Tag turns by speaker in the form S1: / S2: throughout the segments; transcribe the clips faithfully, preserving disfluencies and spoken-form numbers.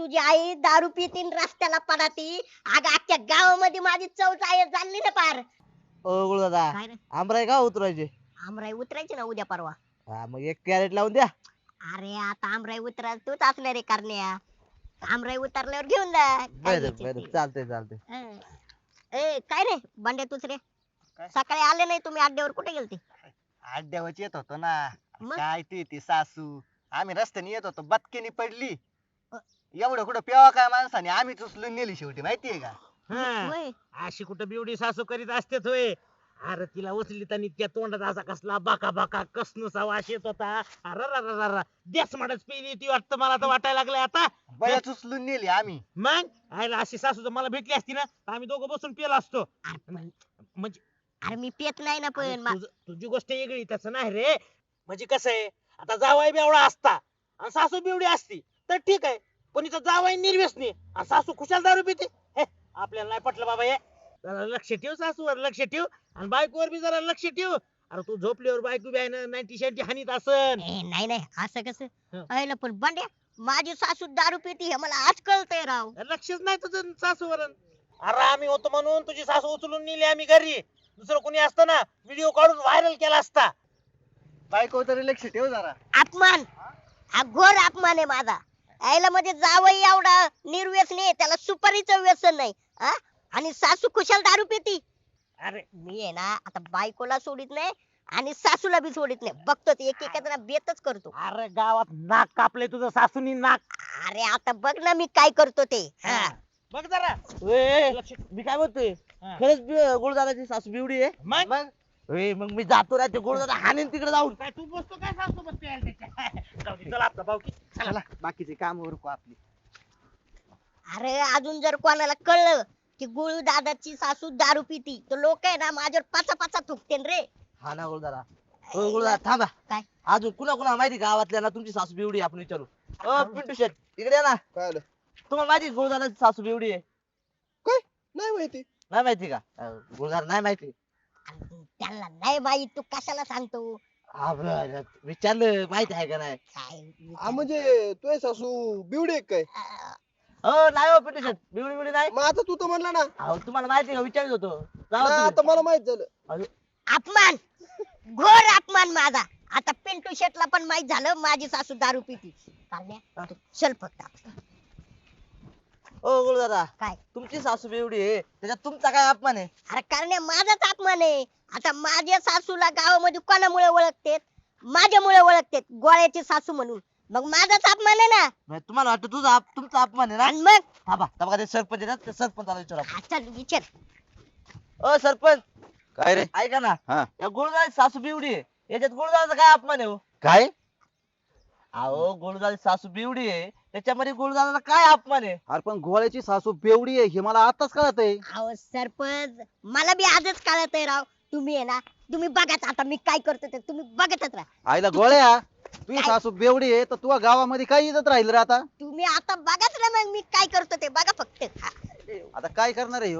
S1: तुझी आई दारू पितीन रस्त्याला पडाती. अगं अख्ख्या गावामध्ये माझी चव चालली ना पार.
S2: ओ गुरुदादा
S1: काय रे
S2: आमराई का उतरायचे?
S1: आमराई उतरायची ना उद्या परवा.
S2: हा मग एक कॅरेट लावून द्या.
S1: अरे आता आमराई उतरायला तूच असणार रे करण्या. आमराई उतरल्यावर घेऊन जा काय
S2: बरं
S1: घ्यायची
S2: बरं
S1: ती.
S2: चालतंय चालतंय.
S1: हं. ए काय रे बंड्या दुसरे
S3: काय?
S1: सकाळी आले नाही तुम्ही अड्ड्यावर कुठे गेलते?
S3: अड्ड्यावरच येत होतो ना.
S1: मग?
S3: काय ती ती सासू आम्ही रस्त्याने येत होतो बदकीनी पडली.
S1: अ.
S3: एवढं कुठं प्यावा काय माणसाने आम्हीच उचलून नेली शेवटी माहितीये का.
S4: हा.
S1: होय.
S4: अशी कुठं बिवडी सासू करीत असते होय. अरे तिला उचली आणि त्या तोंडात असा कसला बाका बाका कसनुसा वास येत होता. अरे देस म्हणत पिली ती वाटतं मला तर वाटायला लागलंय आता.
S3: बळच उचलून नेली आम्ही.
S4: मग आईला अशी सासू जर मला भेटली असती ना तर आम्ही दोघं बसून पिलो असतो.
S1: अरे पण-
S4: म्हणजे
S1: अरे मी पेत नाही ना
S4: अरे
S1: पण मा-
S4: तुझं- तुझी गोष्ट वेगळी तसं नाही रे. म्हणजे कसं आहे आता जावाई बेवडा असता आणि सासू बिवडी असती तर ठीक आहे. पण इथं जावाई निर्व्यसनी आणि सासू खुशाल दारू पिते. हे आपल्याला नाही पटलं बाबा. हे जरा लक्ष ठेव सासूवर लक्ष ठेव आणि बायकोवर बी जरा लक्ष ठेव. अरे तू झोपल्यावर बायको बी आहे ना नाईन्टी शॅन्टी हानीत असन.
S1: ए, नाही नाही असं कसं
S4: हं.
S1: अहिला पण बंड्या माझी सासू दारू पिती हे मला आज कळतंय राव.
S4: लक्षच नाही तुझं सासूवर. अरे आम्ही होतो म्हणून तुझी सासू उचलून नेली आम्ही घरी. दुसरं कोणी असतं ना व्हिडिओ काढून व्हायरल केला असता.
S3: बायको तरी लक्ष ठेव जरा.
S1: अपमान हा घोर अपमान आहे माझा. आईला म्हणजे जावई एवढा निर्व्यसनी आहे, त्याला सुपारीचं व्यसन नाही हा? आणि सासू खुशाल दारू पिती.
S4: अरे
S1: मी आहे ना आता बायकोला सोडित नाही आणि सासूला बी सोडित नाही. बघतो ते एक एक बेतच करतो.
S4: अरे गावात नाक कापले तुझं सासूनी नाक.
S1: अरे आता बघ ना मी काय करतो ते हा.
S4: बघ जरा.
S2: ए,
S4: लक्ष
S2: मी काय म्हणतोय
S4: हा.
S2: खरंच बि- गुरुदादाची सासू बिवडी आहे.
S4: मग
S3: मग
S2: ए, मग मी जातो ना ते गुरुदादा हाणेन तिकडे जाऊन.
S4: काय तू बसतो काय सासू बस प्यायला त्याच्या. जाऊ दे, चला आपला भाऊ की.
S3: चला बाकीचे काम उरकू आपली.
S1: अरे अजून जर कोणाला कळलं की गुळू दादाची सासू दारू पिती तर लोक आहे ना माझ्यावर पाचा पाचा थुकतेन रे.
S2: हा ना गुरुदादा. हो गुरुदादा थांबा.
S1: काय?
S2: अजून कुणा कुणा माहिती गावातल्या ना तुमची सासू बिवडी आहे, आपण विचारू. ओ पिंटू शेट इकडे या ना.
S3: काय आलं?
S2: तुम्हाला माहिती गुरुदादाची सासू बिवडी आहे?
S3: नाही माहिती.
S2: नाही माहिती का? अं, गुरुदादा नाही माहिती.
S1: त्यांना नाही बाई तू कशाला सांगतो
S2: हा बरं, विचारलं माहिती आहे का नाही?
S1: काय
S5: हा म्हणजे तुझे सासू बिवडे आहे काय?
S1: अं,
S2: हो नाही हो पिंटू शेट बिवडी बिवडी नाही.
S5: मग आता तू तर म्हणला ना.
S2: अहो तुम्हाला माहिती आहे का विचारत होतो. जाऊ
S5: नाही, आता
S2: तुम्ही.
S5: मला माहित झालं.
S1: अपमान घोर अपमान माझा. आता पिंटू शेटला पण माहित झालं माझी सासू दारू पिती. चालण्या, तू चल फक्त आता.
S2: ओ गुरुदादा
S1: काय
S2: तुमची सासू बिवडी आहे त्याच्यात तुमचा काय अपमान आहे?
S1: अरे कारण माझाच अपमान आहे. आता माझ्या सासूला गावामध्ये कोणामुळे ओळखतेत? माझ्यामुळे ओळखतेत गोळ्याची सासू म्हणून. मग माझाच अपमान आहे ना.
S2: म्हणजे तुम्हाला वाटतं तुझा अप- तुमचा अपमान आहे ना?
S1: आणि मग
S2: थांबा थांबा ते सरपंच आहे ना ते सरपंचाला विचारा.
S1: हा, चल विचार.
S2: ओ सरपंच
S3: काय रे?
S2: ऐका ना.
S3: हा.
S2: या गुरुदाची सासू बिवडी आहे याच्यात गुरुदाचा काय अपमान आहे हो?
S3: काय?
S2: अहो गुरुदाची सासू बिवडी आहे त्याच्यामध्ये गुरुदाचा काय अपमान आहे?
S5: अरे पण घोळ्याची सासू बेवडी आहे हे मला आताच कळत आहे.
S1: अहो सरपंच मला बी आजच कळत आहे राव. तुम्ही आहे ना तुम्ही बघाच आता मी काय करतो ते तुम्ही बघतच राहा.
S5: आईला गोळ्या तुझी
S1: काय?
S5: सासू बेवडी आहे तर तुझ्या गावामध्ये काय इज्जत राहील रे आता?
S1: तुम्ही आता बघाच ना मग मी काय करतो ते बघा फक्त. हा.
S5: आता काय करणार आहे ह्यो?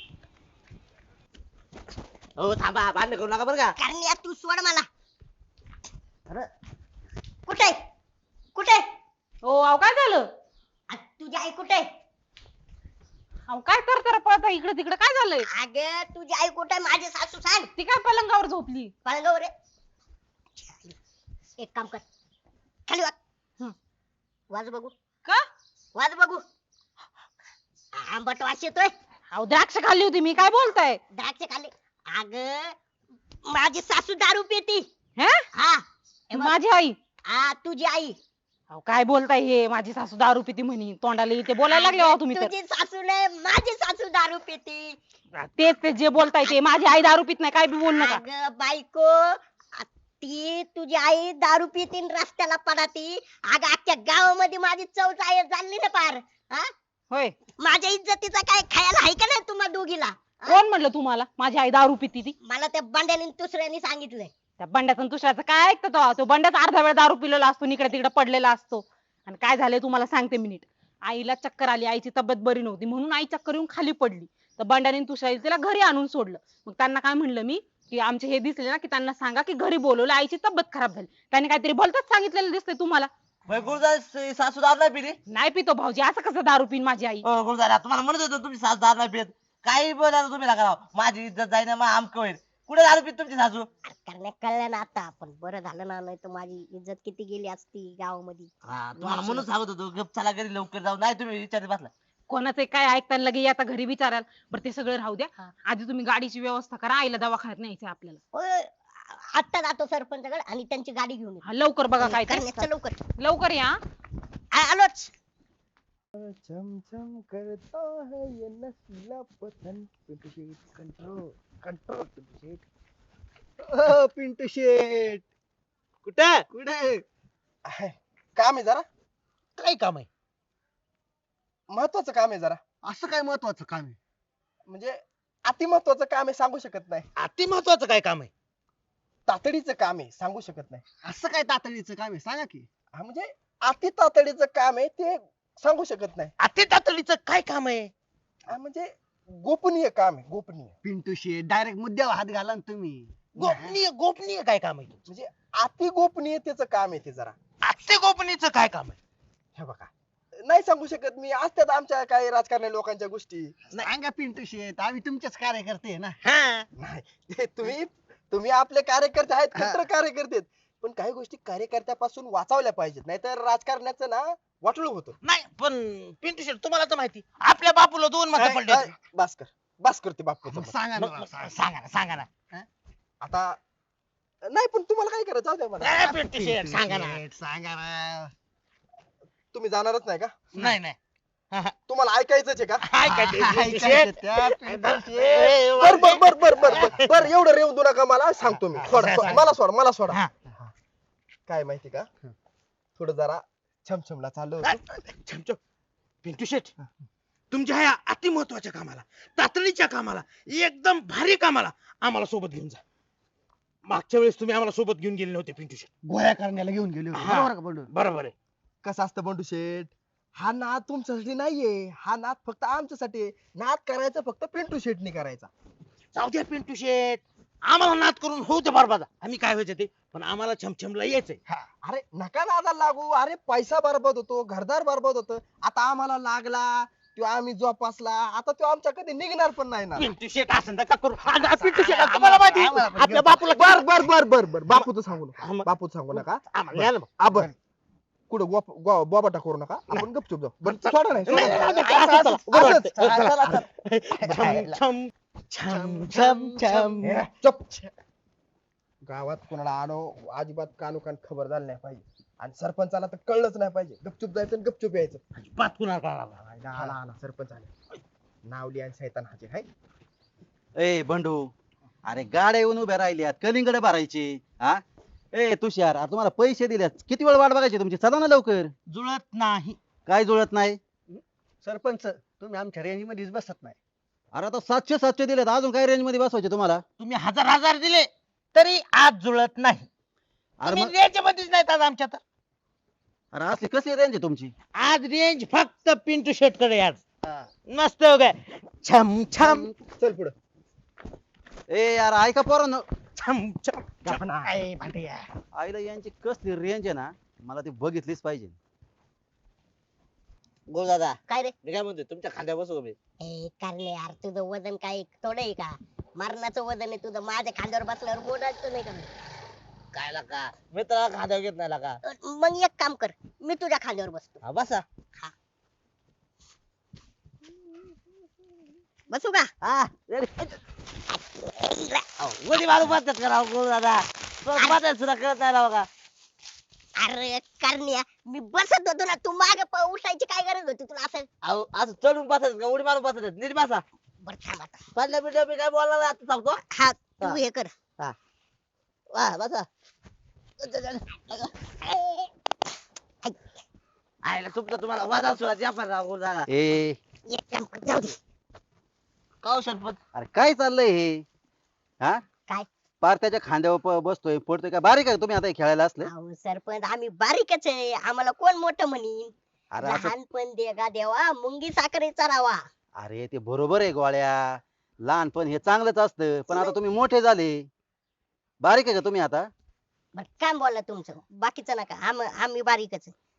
S2: हो थांबा भांडण करू नका बरं का.
S1: कारण या तू सोड मला.
S2: अरे
S1: कुठे कुठे
S6: हो अहो काय झालं?
S1: आ, तुझी आई कुठे?
S6: अहो काय तर पळता इकडे तिकडे काय झालंय?
S1: अगं तुझी आई कुठे? माझी सासू सांग.
S6: ती काय पलंगावर झोपली?
S1: पळगाव रे. एक काम कर खाली वाज.
S6: हं.
S1: वाज बघू.
S6: का?
S1: वाज बघू. आंबट वास येतोय.
S6: अहो द्राक्ष खाल्ली होती मी, काय बोलताय?
S1: द्राक्ष खाल्ले. अगं माझी सासू दारू पिती.
S6: हे
S1: हा हे बघ.
S6: माझी आई.
S1: हा तुझी आई.
S6: अहो काय बोलताय हे? माझी सासू दारू पिती म्हणी तोंडाला इथे बोलायला लागले हो तुम्ही तर.
S1: तुझी सासू नाही माझी सासू दारू पिती.
S6: तेच ते जे बोलताय ते माझी आई दारू पित नाही, काय बी बोल नका.
S1: अगं बायको आ, ती तुझी आई दारू पितीन रस्त्याला पडाती. अगं अख्ख्या गावामध्ये माझी चव चालली ना पार. हा
S6: होय
S1: माझ्या इज्जतीचा काय खायला आहे का नाही तुम्हा दोघीला? हा?
S6: कोण म्हणलं तुम्हाला माझी आई दारू पिती ती?
S1: मला त्या बंड्याने दुसऱ्याने सांगितलंय.
S6: त्या बंड्याचं आणि तुषारचं काय ऐकतो तो? तो बंड्याच अर्धा वेळ दारू पिलेला असतो, इकडे तिकडे पडलेला असतो. आणि काय झालंय तुम्हाला सांगते मिनिट. आईला चक्कर आली, आईची तब्येत बरी नव्हती म्हणून आई चक्कर येऊन खाली पडली. तर बंड्याने आणि तुषार तिला घरी आणून सोडलं. मग त्यांना काय म्हणलं मी की आमचे हे दिसले ना की त्यांना सांगा की घरी बोलवलं, आईची तब्येत खराब झाली. त्यांनी काहीतरी भलतच सांगितलेलं दिसतंय तुम्हाला.
S2: मग गुरुदादा सासू दारू नाही पिली?
S6: नाही पितो भाऊजी, असं कसं दारू पिन माझी आई?
S2: हो गुरुदादा, तुम्हाला म्हणत होतो तुमची सासू दारू नाही पित. काही बोला तुम्ही नका राव. माझी इज्जत जाईना, मग आमक होईल. कुठे दारू पित तुमची सासू?
S1: करण्या कळलं ना आता, पण बरं झालं ना, नाही तर माझी इज्जत किती गेली असती गावामध्ये.
S2: हा तुम्हाला म्हणून सांगत होतो गप चला घरी लवकर जाऊ. नाही तुम्ही विचारत बसला.
S6: कोणाचं काय ऐकताना लगे आता घरी विचाराल. बरं ते सगळं राहू द्या,
S1: हा.
S6: आधी तुम्ही गाडीची व्यवस्था करा, आईला दवाखान्यात न्यायचं आपल्याला.
S1: होय, आत्ता जातो सरपंचाकडे आणि त्यांची गाडी घेऊन येतो.
S6: हा, लवकर बघा काय ते.
S1: करण्या, चल लवकर.
S6: लवकर या.
S1: आ- आलोच.
S3: चमचम करता है ये नशीला पतंग, पिंटू शेट कंट्रोल कंट्रोल पिंटू शेट. पिंटू शेट
S4: कुठं
S3: कुठे आहे? काम आहे जरा,
S4: काय काम आहे?
S3: महत्वाचं काम आहे जरा. असं काय महत्वाचं काम आहे? म्हणजे अति महत्वाचं काम आहे, सांगू शकत नाही.
S4: अति महत्वाचं काय काम आहे?
S3: तातडीचं काम आहे, सांगू शकत नाही. असं काय तातडीचं काम आहे सांगा की. हा म्हणजे अति तातडीचं काम आहे ते सांगू शकत नाही.
S4: अति तातडीचं काय काम आहे?
S3: हा म्हणजे गोपनीय काम आहे, गोपनीय. पिंटू शेट डायरेक्ट मुद्द्यावर हात घाला ना तुम्ही.
S4: गोपनीय गोपनीय काय काम आहे?
S3: म्हणजे अति गोपनीयतेचं काम आहे ते जरा.
S4: अति गोपनीयचं काय काम आहे?
S3: हे बघा, नाही सांगू शकत मी. असतात आमच्या काही राजकारणी लोकांच्या गोष्टी.
S5: सांगा पिंटू शेट, आम्ही तुमचेच कार्यकर्ते आहे ना.
S4: हा
S3: नाही ते तुम्ही तुम्ही आपले कार्यकर्ते आहेत, कट्टर कार्यकर्ते आहेत. पण काही गोष्टी कार्यकर्त्यापासून वाचवल्या पाहिजेत, नाहीतर राजकारण्याचं ना वाटलं होतं.
S4: नाही पण पिंटू शेट तुम्हाला तर माहिती आपल्या बापूला दोन मत पडले.
S3: अय, बस कर बस करते बापू.
S5: सांगा
S4: मग- मग सांगा ना सांगा ना.
S3: आता नाही पण तुम्हाला काय करायचं जाऊ द्या मला.
S4: ए, पिंटू शेट सांगा ना.
S5: सांगा ना.
S3: तुम्ही जाणारच नाही का?
S4: नाही नाही
S3: तुम्हाला ऐकायचंच आहे का?
S4: काय काय ते पिंटू
S5: ऐकायचं
S4: शेट?
S5: त्या पिंटू शेट.
S4: ए,
S3: बर बर बर बर बर बर बर एवढं रेवून देऊ नका मला, सांगतो मी. सोडा सोडा, मला सोडा मला सोडा.
S4: हा.
S3: काय माहिती का, थोडं जरा छमछमला चाललो
S4: काय?
S3: होतो.
S4: छमछम. पिंटू शेट तुमच्या ह्या अति महत्वाच्या कामाला, तातडीच्या कामाला, एकदम भारी कामाला आम्हाला सोबत घेऊन जा. मागच्या वेळेस तुम्ही आम्हाला सोबत घेऊन गेले नव्हते पिंटू शेट.
S5: गोळ्या करण्याला घेऊन गेले होते.
S4: हा.
S5: बरोबर का बंडू?
S4: बरोबर आहे.
S3: कसं असतं बंडू शेठ, हा नाद तुमच्यासाठी नाहीये, हा नाद फक्त आमच्यासाठी आहे. नाद करायचा फक्त पिंटू शेटनी करायचा.
S4: जाऊ द्या पिंटू शेट, आम्हाला नाद करून होऊ दे बरबाद. आम्ही काय व्हायचं ते, पण आम्हाला छमछमला यायचंय.
S3: अरे नका नादाला लागू. अरे पैसा बरबाद होतो, घरदार बरबाद होतं. आता आम्हाला लागला तो आम्ही जोपासला, आता तो आमच्या कधी निघणार पण नाही ना.
S4: पिंटू शेट असं नका करू. हा, हा, पिंटू शेट तुम्हाला माहिती आहे, आपल्या बापूला
S3: बर बर बर बर बर बापूचं सांगू
S4: हा,
S3: नका,
S4: मग-
S3: बापूचं सांगू नका.
S4: आम्हाला या ना मग.
S3: आबर कुठं गोप- गो- बोबाटा करू नका, आपण गपचूप जाऊ. बरं सोडा नाही,
S4: नाही,
S3: सोडा.
S4: नाही, नाही, असं चला,
S3: असंच,
S4: बरं
S3: असंच.
S4: वाटतंय.
S3: चला, चला.
S4: छम छम छम छम
S3: ए, चुप. गावात कोणाला आलो अजिबात कानोकान खबर झाली नाही पाहिजे, आणि सरपंचाला तर कळलंच नाही पाहिजे. गपचूप जायचं आणि गपचूप यायचं.
S4: अजिबात कुणाला कळाला.
S3: आला आला आला, सरपंच आले. नावली आणि सैतान हाजीर आहे.
S5: ए बंडू, अरे गाड्या येऊन उभ्या राहिल्यात, कलिंगड भरायचे. हा ए तुषार, आता तुम्हाला पैसे दिल्यात, किती वेळ वाट बघायची तुमची? चला ना लवकर.
S4: जुळत नाही.
S5: काय जुळत नाही?
S3: सरपंच तुम्ही आमच्या रेंज मध्येच बसत नाही.
S5: अरे आता सातशे सातशे दिलेत, अजून काय रेंज मध्ये बसवायचे तुम्हाला?
S4: तुम्ही हजार हजार दिले तरी आज जुळत नाही.
S5: अरे
S4: तुम्ही
S5: मग
S4: रेंज मध्येच नाहीत आज आमच्या तर.
S5: अरे असली कशी रेंज आहे तुमची?
S4: आज रेंज फक्त पिंटू शेट कडे आज. मस्त हो काय छम छम
S3: चल पुढे.
S5: ए यार ऐका पोरांनो,
S4: छम छम
S3: गप्प ना.
S4: काय भांड्या.
S5: आईला यांची कसली रेंज आहे ना, मला ती बघितलीच पाहिजे.
S2: बोल दादा,
S1: काय रे?
S2: मी काय म्हणतोय तुमच्या खांद्यावर बसू का मी?
S1: ए करणे यार, तुझं वजन काय थोडं आहे का? मरणाचं वजन आहे तुझं. माझ्या खांद्यावर बसल्यावर बोलायचं नाही का?
S2: काय लागा मित्राला खांद्यावर घेत नाही लागा.
S1: अ, मग एक काम कर, मी तुझ्या खांद्यावर बसतो.
S2: हा बसा.
S1: बसू का?
S2: हा मध्ये मारू पद्धत करा बोल दादा. पद्धत सुद्धा कळत नाही राव का.
S1: अरे करण्या, मी बसत होतो ना, तू मागे उठायची काय गरज होती तुला? असं
S2: अहो, असं चढून बसायचं का उडी मारून बसायचं? नीट बसा.
S1: बरं थांब आता.
S2: पडल्या बिडल्या मी काय बोलणार नाही, आता सांगतो.
S1: हा तू
S2: हा.
S1: हे कर.
S2: वा बसा. आयला तुमचं तुम्हाला वादा सुद्धा जापान राव बोल दादा.
S5: ए
S1: एक काम कर, जाऊ दे.
S2: काव सरपंच
S5: अरे काय चाललंय हे? हा
S1: काय?
S5: पार त्याच्या खांद्यावर प- बसतोय पडतोय, काय बारीक आहे तुम्ही आता हे खेळायला असले?
S1: अहो सरपंच, आम्ही बारीकच आहे, आम्हाला कोण मोठं म्हणीन?
S5: अरे असं
S1: लहानपण देगा देवा, मुंगी साखरेचा रावा.
S5: अरे ते बरोबर आहे गोळ्या, लहानपण हे चांगलंच असतं, पण आता तुम्ही मोठे झाले. बारीक आहे का तुम्ही आता?
S1: बर काम बोला तुमचं, बाकीचं नका. आम- आम्ही बारीकच आहे.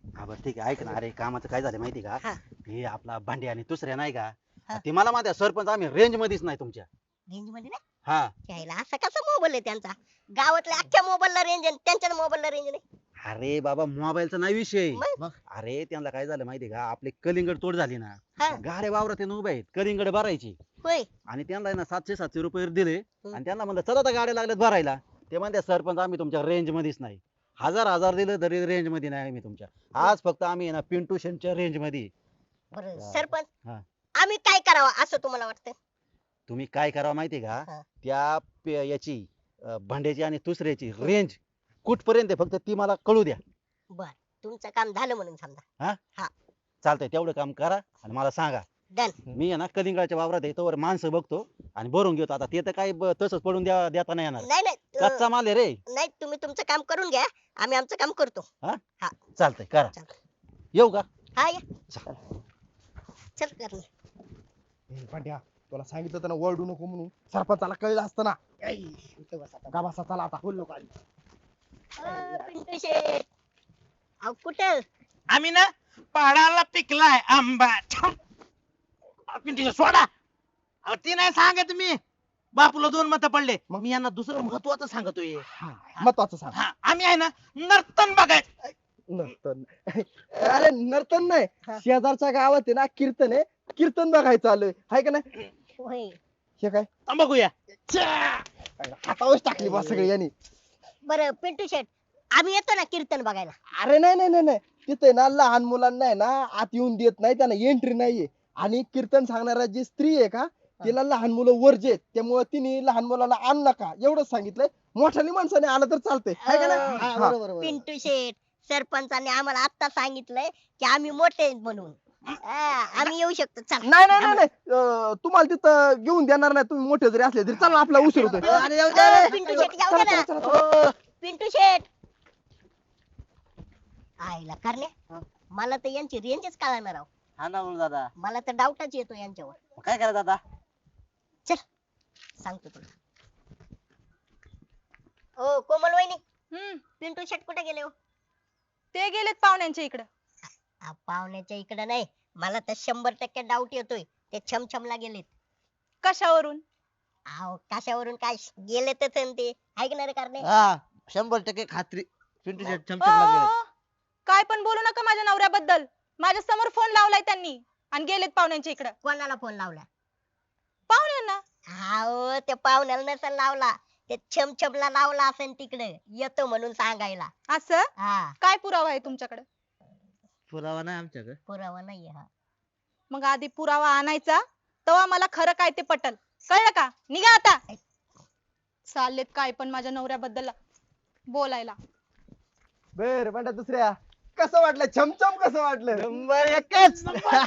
S5: हा बरं ठीक आहे ऐक ना, अरे कामाचं काय झालं माहिती का?
S1: हा.
S5: हे आपला भांडी आणि दुसऱ्या नाही का,
S1: हा.
S5: ते मला माहिती आहे, सरपंच आम्ही रेंज मध्येच नाही तुमच्या.
S1: रेंज मध्ये नाही
S5: हा
S1: घ्यायला असा कसा मोबाईल आहे त्यांचा? गावातल्या अख्ख्या मोबाईलला रेंज आहे त्यांच्या मोबाईलला रेंज नाही.
S5: अरे बाबा मोबाईलचा नाही विषय.
S1: मग?
S5: अरे त्यांना काय झालं माहिती का, आपले कलिंगड तोड झाली ना,
S1: हा.
S5: गाड्या वावरात येऊन उभे आहेत कलिंगड भरायची,
S1: होय.
S5: आणि त्यांना आहे ना सातशे सातशे रुपये दिले,
S1: हम्म.
S5: आणि त्यांना म्हणलं चला आता गाड्या लागल्यात भरायला. ते म्हणते सरपंच आम्ही तुमच्या रेंज मध्येच नाही. हजार हजार दिलं तरी रेंज मध्ये नाही आम्ही तुमच्या. आज फक्त आम्ही आहे ना पिंटू शेंटच्या रेंज मध्ये आहे.
S1: बरं
S5: हा.
S1: सरपंच
S5: हा.
S1: आम्ही काय करावं असं तुम्हाला वाटतं?
S5: तुम्ही काय करावं माहितीये
S1: हा.
S5: का, त्या पे- याची अं, भांड्याची आणि दुसऱ्याची रेंज कुठपर्यंत आहे फक्त ती मला कळू द्या.
S1: बर तुमचं काम झालं म्हणून समजा.
S5: चालतंय तेवढं काम करा आणि मला सांगा.
S1: डन.
S5: मी आहे ना कलिंगडाच्या वावरात आहे तोवर माणसं बघतो आणि भरून घेतो. आता ते तर काही ब- तसंच पडून द्या देता नाही येणार.
S1: नाही नाही अं,
S5: कच्चा माल आहे रे.
S1: नाही तुम्ही तुमचं काम करून घ्या, आम्ही आमचं काम करतो.
S5: चालतंय करा.
S1: चालतंय.
S5: येऊ का?
S1: हा या
S5: चल.
S1: चल करणे.
S3: ए, पांड्या तुला सांगितलं होतं ना ओरडू नको म्हणून, सरपंचाला कळलं असतं ना. का बसा चला आता. बोल नको आधी.
S1: अं, पिंटू शेठ अहो कुठं?
S4: आम्ही ना पहाडाला पिकलाय आंबा. छाम. अहो, पिंटू सोडा. अहो, ती नाही सांगत मी. बापूला दोन मत पडले, मग मी यांना दुसरं महत्वाचं सांगतोय.
S3: हा, महत्वाचं सांग.
S4: हा, आम्ही आहे ना नर्तन बघाय.
S3: नर्तन अरे नर्तन नाही, शेजारच्या गावात आहे ना कीर्तन आहे, कीर्तन बघायचं आलोय हाय का नाही.
S1: होय.
S3: हे काय
S4: बघूया.
S3: हातावरच टाकली बा सगळी यांनी.
S1: बरं पिंटू शेठ आम्ही येतो ना कीर्तन बघायला.
S3: अरे नाही नाही नाही नाही, तिथे ना लहान मुलांना आहे ना आत येऊन देत नाही, त्यांना एंट्री नाहीये. आणि कीर्तन सांगणारा जी स्त्री आहे का, तिला लहान मुलं वर्जे आहेत, त्यामुळे तिने लहान मुलाला आण नका एवढंच सांगितलंय. मोठ्याने माणसाने आलं तर चालतंय हाय का नाही. हा.
S1: पिंटू शेठ सरपंचाने आम्हाला आता सांगितलंय की आम्ही मोठे आहेत म्हणून. हा, आम्ही येऊ शकतो. चल.
S3: नाही नाही नाही नाही, अं, तुम्हाला तिथं घेऊन देणार नाही, तुम्ही मोठे जरी असले तरी चला, आपला उशीर होतोय.
S2: अरे येऊ द्या रे.
S1: अं, पिंटू शेठ जाऊ दे
S3: चला,
S1: ना.
S3: चला, चला.
S2: ओ,
S1: पिंटू शेठ आईला करण्या मला तर यांची रेंजच कळणार राव.
S2: हा ना बोल दादा.
S1: मला तर डाऊटच येतो यांच्यावर.
S2: मग काय करा दादा?
S1: चल सांगतो तुला. ओ कोमल वहिनी
S7: हम्म
S1: पिंटू शेट कुठे गेले हो?
S7: ते गेलेत पाहुण्यांच्या इकडं.
S1: आ, पाहुण्याच्या इकडे नाही, मला तर शंभर टक्के डाऊट येतोय ते छमछमला गेलेत.
S7: कशावरून?
S1: अहो कशावरून काय गेले तर ते ऐकणार कारणे.
S2: हा शंभर टक्के खात्री. पिंटू शेट
S7: ओ,
S2: चमचम लागले.
S7: ओ, काय पण बोलू नका माझ्या नवऱ्याबद्दल. माझ्या समोर फोन लावलाय त्यांनी आणि गेलेत पाहुण्यांच्या इकडं.
S1: कोणाला फोन लावला?
S7: पाहुण्यांना.
S1: अहो ते पाहुण्याला नसेल लावला, ते छमछमला लावला असेल तिकडे येतो म्हणून सांगायला.
S7: असं
S1: हा
S7: काय पुरावा आहे तुमच्याकडे?
S2: पुरावा नाही आमच्याकडे.
S1: पुरावा नाहीये. हा
S7: मग आधी पुरावा आणायचा, तेव्हा मला खरं काय ते पटल. कळलं का? निघा आता. चाललेत काय पण माझ्या नवऱ्याबद्दल बोलायला.
S3: बर म्हणता दुसऱ्या कसं वाटलं छमछम, कसं वाटलं?
S2: नंबर एकच.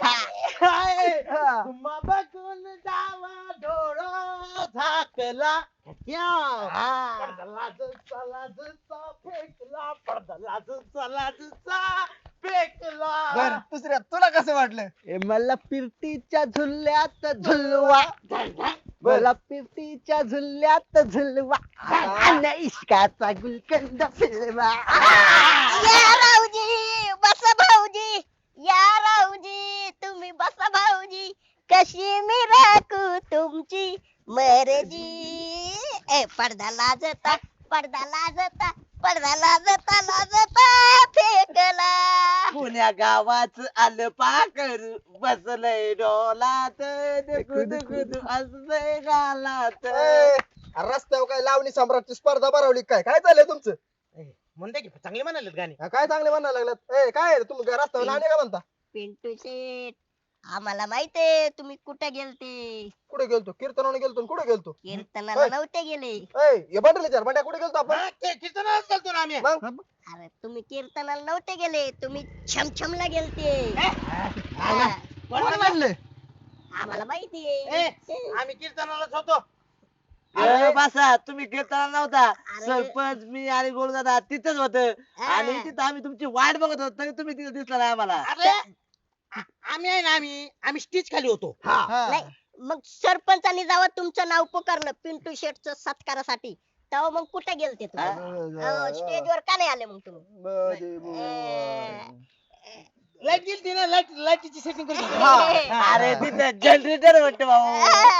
S3: हा.
S4: बघून जावा डोळा झाकला. पडदा लाजचा लाजचा फेकला. पडदा लाजचा लाजचा फेकला.
S3: बर दुसऱ्या तुला कसं वाटलं?
S2: ए, मला पिरतीच्या झुल्यात झुलवा. मला पिरतीच्या झुल्यात झुलवा. आणि इश्काचा गुलकंद फिरवा.
S1: या राऊजी बसा भाऊजी, या राऊजी तुम्ही बसा भाऊजी, कशी मी राखू तुमची मर्जी. ए पडदा लाजता पडदा लाजता पडदा लाजता लाजता फेकला.
S2: पुण्या गावाच आलं पाकरू बसलंय डोलात गुद गुद असलंय गालात.
S3: ए, रस्त्यावर काय लावणी सम्राटची स्पर्धा भरवली काय? काय चाललंय तुमचं?
S4: म्हणते की चांगले म्हणालेत गाणी.
S3: हा, काय चांगले म्हणायला लागलात? ए काय आहे? तुम्ही काय रस्त्यावर लावणी का म्हणता?
S1: पिंटू शेठ आम्हाला माहितीये तुम्ही कुठे गेलते.
S3: कुठे गेलतो? कीर्तनाने गेलतो. कुठे गेलतो?
S1: कीर्तनाला
S3: होय.
S1: नव्हते गेले.
S3: ए हे बंडल विचार, बंड्या कुठे गेलतो आपण?
S4: हा, ते कीर्तनालाच गेलतो ना आम्ही.
S3: मग
S1: अरे तुम्ही कीर्तनाला नव्हते गेले, तुम्ही छमछमला गेलते.
S4: हे?
S1: हा,
S3: कोण म्हणले?
S1: आम्हाला
S4: ए,
S1: माहितीये.
S4: आम्ही कीर्तनालाच होतो.
S2: अरे बसा, तुम्ही कीर्तनाला नव्हता.
S1: अरे.
S2: सरपंच मी आणि गोळदादा तिथंच होत. आणि तिथं आम्ही तुमची वाट बघत होतो तरी तुम्ही तिथे दिसला नाही आम्हाला.
S4: अरे आ- आम्ही आहे ना आम्ही आम्ही स्टेज खाली होतो.
S3: हा.
S1: नाही मग सरपंचानी जेव्हा तुमचं नाव पुकारलं पिंटू शेठचं सत्कारासाठी, तेव्हा मग कुठे गेलते तुम्ही? स्टेजवर का नाही आले मग तुम्ही?
S3: मध्ये
S1: ए,
S4: लाईट गेली ना लाईट लाईटीची सेटिंग करून घे.
S3: हा.
S2: अरे तिथं जनरेटर म्हणते भाऊ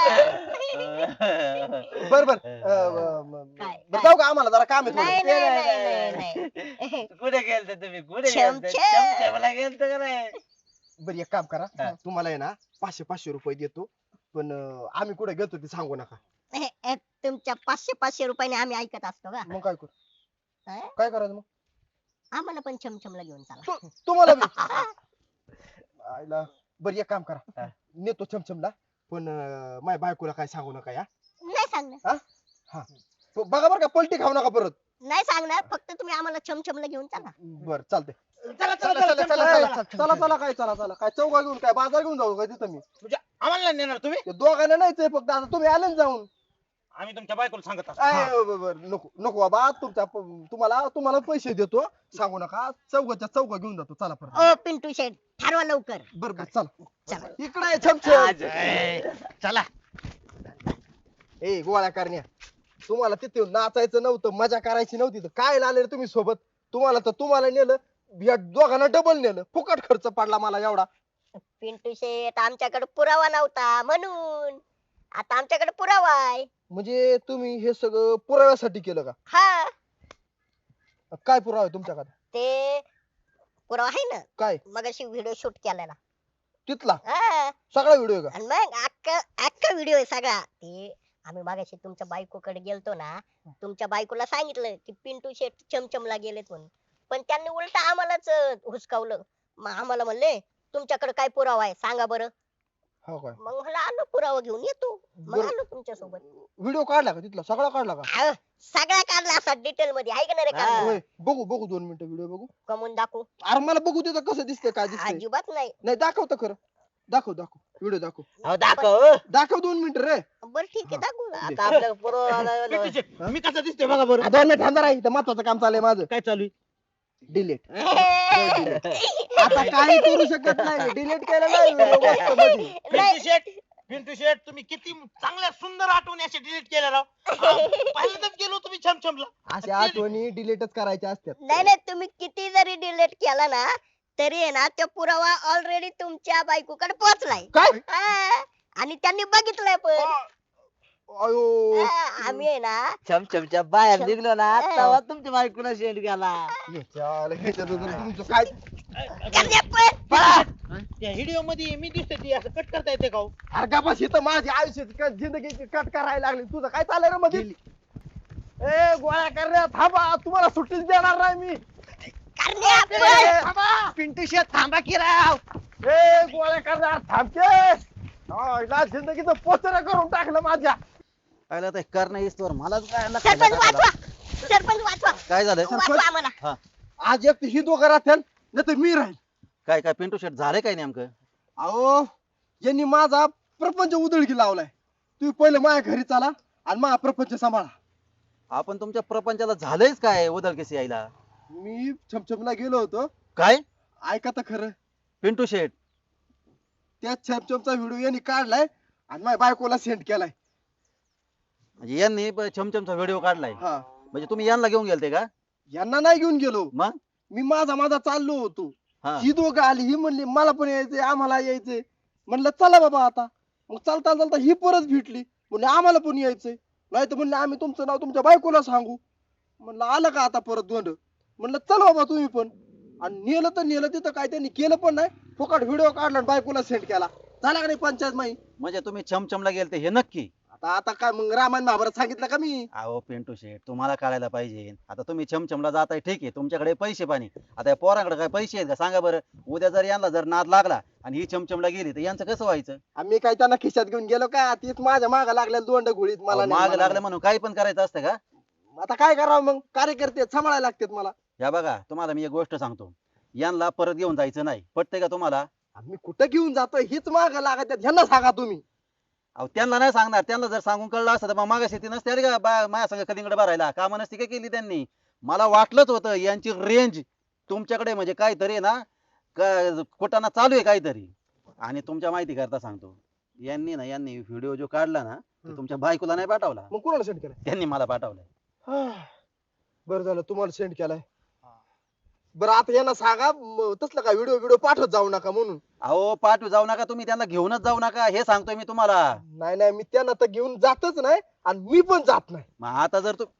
S3: बर बर अं, ब-
S1: काय?
S3: बरं जाऊ का आम्हाला जरा काम आहे
S1: नाही
S3: थोडं.
S1: नाही नाही नाही नाही.
S2: कुठे गेलते तुम्ही कुठे
S1: चमचे.
S2: गेलते चमचमला गेलते का नाही
S3: बरं एक काम करा
S2: हा.
S3: तुम्हाला आहे ना पाचशे पाचशे रुपये देतो पण अं, आम्ही कुठे गेलतो ते सांगू नका
S1: ए, ए, तुमच्या पाचशे पाचशे रुपयाने आम्ही ऐकत असतो का
S3: मग काय करू
S1: हा?
S3: काय करायचं मग
S1: आम्हाला पण छमछमला घेऊन चला
S3: तू- तुम्हाला बी आईला बरं एक काम करा नेतो चमचमला पण अं, माझ्या बायकोला काय सांगू नका या
S1: नाही सांगणार
S3: ब- बघा बरं का पलटी खाऊ नका परत
S1: नाही सांगणार फक्त तुम्ही आम्हाला छमछमला घेऊन चला
S3: बर चालतंय
S4: चला
S3: चला
S4: चला
S3: चला चला चला चला चला काय चला चला काय चौका घेऊन काय बाजार घेऊन जाऊ काय तिथं मी
S4: म्हणजे आम्हाला नाही नेणार तुम्ही
S3: ते दोघांना नाहीच आहे फक्त आता तुम्ही आले ना जाऊन
S4: आम्ही तुमच्या बायकोला सांगत असतो.
S3: आय, ब- ब- नको नको बाबा तुमच्या प- तुम्हाला तुम्हाला पैसे देतो सांगू नका चौकाच्या चौका घेऊन जातो चला परत
S1: ओ पिंटू शेठ ठरवा लवकर
S3: बर बर चला
S1: चला
S3: इकडे आहे छमछम
S4: चला
S3: ए गोळ्या करण्या तुम्हाला तिथे नाचायचं नव्हतं मजा करायची नव्हती तर काय आले रे तुम्ही सोबत तुम्हाला तर तुम्हाला नेलं या दोघांना डबल नेलं फुकट खर्च पडला मला एवढा
S1: पिंटू शेठ आमच्याकडे पुरावा नव्हता म्हणून आता आमच्याकडे पुरावा आहे
S3: म्हणजे तुम्ही हे सगळं पुराव्यासाठी केलं का
S1: हा
S3: काय पुरावा आहे तुमच्याकडे
S1: ते पुरावा आहे ना
S3: काय
S1: मगाशी व्हिडिओ शूट केलेला
S3: तिथला
S1: हा
S3: सगळा व्हिडिओ आहे का
S1: आणि मग अख्खा अख्खा व्हिडिओ आहे सगळा ते आम्ही मागाशी तुमच्या बायकोकडे गेलतो ना तुमच्या बायकोला सांगितलं की पिंटू शेठ चमचमला गेलेत म्हणून पण त्यांनी उलट आम्हालाच अं, हुसकावलं मग आम्हाला म्हणले तुमच्याकडे काय पुरावा आहे सांगा बरं
S3: हो काय
S1: मग म्हणलं आलो पुरावा घेऊन येतो मग
S3: बरं.
S1: आलो तुमच्या सोबत
S3: व्हिडिओ काढला का तिथला सगळा काढला का
S1: सगळा काढला असा डिटेल मध्ये आहे का नाही रे
S2: हा.
S1: काढला?
S3: होय बघू बघू दोन मिनिटं व्हिडिओ बघू
S1: कमवून दाखवू
S3: अरे मला बघू देतं कसं दिसतंय काय दिसतंय
S1: अजिबात नाही
S3: नाही दाखवतं खरं दाखव दाखव व्हिडिओ दाखव
S2: अहो दाखव
S3: दाखव दोन मिनिटं रे
S1: बरं ठीक आहे दाखवू
S2: आता आपल्या पुरवठा
S4: पिंटू शेठ, मी कसं दिसतोय बघा बरं
S3: आ, दोन मिनिट थांबा राही महत्वाचं काम चाललंय माझं
S4: काय चालू आहे
S3: डिलीट आता काही करू शकत नाही डिलीट केलं नाही video मस्त मध्ये.
S4: पिंटू शेठ पिंटू शेठ तुम्ही किती चांगल्या सुंदर आठवणी असे डिलीट केल्या राव पहिल्यांदाच गेलो तुम्ही छमछमला
S3: अशा आठवणी डिलीटच करायच्या असतात
S1: नाही नाही तुम्ही किती जरी डिलीट केला ना तरी आहे ना तो पुरावा ऑलरेडी तुमच्या बायकोकडे पोहोचलाय
S3: काय
S1: हा. आणि त्यांनी बघितलंय पण
S3: अयो
S1: हा, आम्ही आहे ना
S2: चमचमच्या बाहेर
S1: चम-
S2: निघलो ना
S1: हा.
S2: तेव्हा तुमच्या बायकोला शेंड गेला
S3: याच्याला ह्याच्यात जर तुमचं काय
S1: गल्ल्या पण.
S4: त्या व्हिडिओ मध्ये मी दिसते ती असं कट करता येते का हो?
S3: अरे का बस इथं माझी आयुष्याची क- जिंदगीची कट करायला लागली तुझं काय चाललंय रे मध्ये ए गोळ्या करण्या थांबा तुम्हाला सुट्टीच देणार नाही मी
S1: करण्या
S3: ए,
S1: पण.
S3: थांबा
S4: पिंटू शेठ थांबा की राव
S3: ए गोळ्या करण्या थांबते ना जिंदगीचं पोचर करून टाकलं माझ्या
S5: आयला ते करणं इस्तवर मलाच काय आला
S1: सरपंच
S5: खायला
S1: वाचवा
S5: टाकायला.
S1: सरपंच वाचवा
S5: काय झालंय
S1: वाचवा आम्हाला
S5: हा
S3: आज एक तर ही दोघं राहतील नाही तर मी राहील
S5: काय काय पिंटू शेट झालंय काय नेमकं
S3: अहो यांनी माझा प्रपंच उधळकी लावलाय तुम्ही पहिले माझ्या घरी चाला आणि माझा प्रपंच सांभाळा
S5: आपण तुमच्या प्रपंचाला झालंयच काय उदळकेस यायला
S3: मी छमछमला गेलो होतो
S5: काय
S3: ऐका तर खरं
S5: पिंटू शेट
S3: त्या छमछमचा व्हिडिओ यांनी काढलाय आणि माझ्या बायकोला सेंड केलाय
S5: म्हणजे यांनी ब- छमछमचा व्हिडिओ काढलाय
S3: हा
S5: म्हणजे तुम्ही यांना घेऊन गेलते का
S3: यांना नाही घेऊन गेलो
S5: मग
S3: मी माझा माझा चाललो होतो
S5: हा
S3: ही दोघं आली ही म्हणली मला पण यायचंय आम्हाला यायचंय म्हणलं चला बाबा आता मग चालता चालता ही परत भेटली म्हणले आम्हाला पण यायचंय नाही तर म्हणले आम्ही तुमचं नाव तुमच्या बायकोला सांगू म्हणलं आलं का आता परत दोंड म्हणलं चल बाबा तुम्ही पण आणि नेलं तर नेलं तिथं काय त्यांनी केलं पण नाही फुकट व्हिडिओ काढला आणि बायकोला सेंड केला झाला का नाही पंचायत माई
S5: म्हणजे तुम्ही छमछमला गेलते हे नक्की
S3: आता आता काय मग रामायण महाभारत सांगितलं का मी
S5: अहो पिंटू शेट तुम्हाला कळायला पाहिजे आता तुम्ही छमछमला जाताय ठीक आहे तुमच्याकडे पैसे पाणी आता या पोराकडे काय पैसे आहेत का सांगा बरं उद्या जर यांना जर नाद लागला आणि ही छमछमला गेली तर यांचं कसं व्हायचं
S3: आम्ही काय त्यांना खिशात घेऊन गेलो का तीच माझ्या माग लागल्या दोंड घोळीत मला नाही,
S5: माग
S3: मला
S5: लागलं
S3: नाही.
S5: म्हणून काही पण करायचं असतं का
S3: आता काय करावं मग कार्यकर्ते सांभाळायला लागतात मला
S5: या बघा तुम्हाला मी एक गोष्ट सांगतो यांना परत घेऊन जायचं नाही पटतंय का तुम्हाला
S3: आम्ही कुठं घेऊन जातोय हीच माग लागत ह्यांना सांगा तुम्ही
S5: अहो त्यांना नाही सांगणार त्यांना जर सांगून कळलं असतं तर मग मागाशी ती नसते अरे का बा- माझ्या संग कलिंगड भरायला कामं नसती का केली त्यांनी मला वाटलंच होतं यांची रेंज तुमच्याकडे म्हणजे काहीतरी आहे ना क- कुटाणा चालू आहे काहीतरी आणि तुमच्या माहिती करता सांगतो यांनी ना यांनी व्हिडिओ जो काढला ना तो
S3: हम्म.
S5: तुमच्या बायकोला नाही पाठवला
S3: मग कोणाला सेंड केलाय
S5: त्यांनी मला पाठवलाय
S3: बरं झालं तुम्हाला सेंड केलाय बरं आता यांना सांगा म, तसलं का व्हिडिओ व्हिडिओ पाठवत जाऊ नका म्हणून.
S5: अहो पाठवू जाऊ नका तुम्ही, त्यांना घेऊनच जाऊ नका हे सांगतोय मी तुम्हाला.
S3: नाही नाही मी त्यांना तर घेऊन जातच नाही आणि मी पण जात नाही.
S5: मग आता जर तू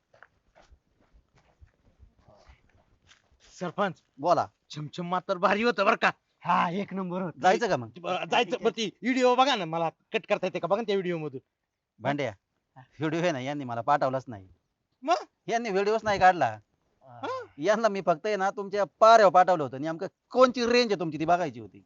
S4: सरपंच
S5: बोला,
S4: छमछम मात्र भारी होतं बरं का.
S8: हा एक नंबर होत.
S5: जायचं का मग?
S4: बरं, जायचं बरं ती व्हिडिओ बघा ना, मला कट करता येते का बघा ना त्या व्हिडिओ मधून.
S5: भांड्या व्हिडिओ आहे ना यांनी मला पाठवलाच नाही.
S4: मग
S5: यांनी व्हिडिओच नाही काढला. यांना मी फक्त आहे ना तुमच्या पाऱ्यावर पाठवलं होतं, नेमकं कोणची रेंज आहे तुमची ती बघायची होती.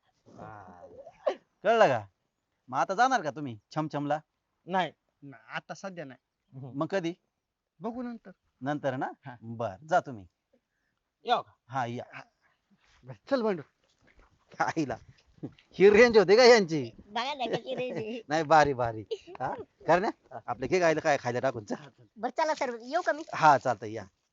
S5: कळलं का? मग आता जाणार का तुम्ही छमछमला?
S4: नाही.
S8: ना, आता सध्या नाही,
S5: मग कधी?
S8: बघू नंतर.
S5: नंतर ना.
S8: हा.
S5: बर जा तुम्ही.
S4: येऊ का?
S5: हा या.
S8: बरं, चल बंडू.
S5: आईला ही रेंज होती का यांची?
S1: बघा ना कशी रेंज आहे.
S5: नाही भारी भारी. हा करण्या आपले के काय काय खायला टाकून चल.
S1: बरं चला सर येऊ का मी?
S5: हा चालतंय या.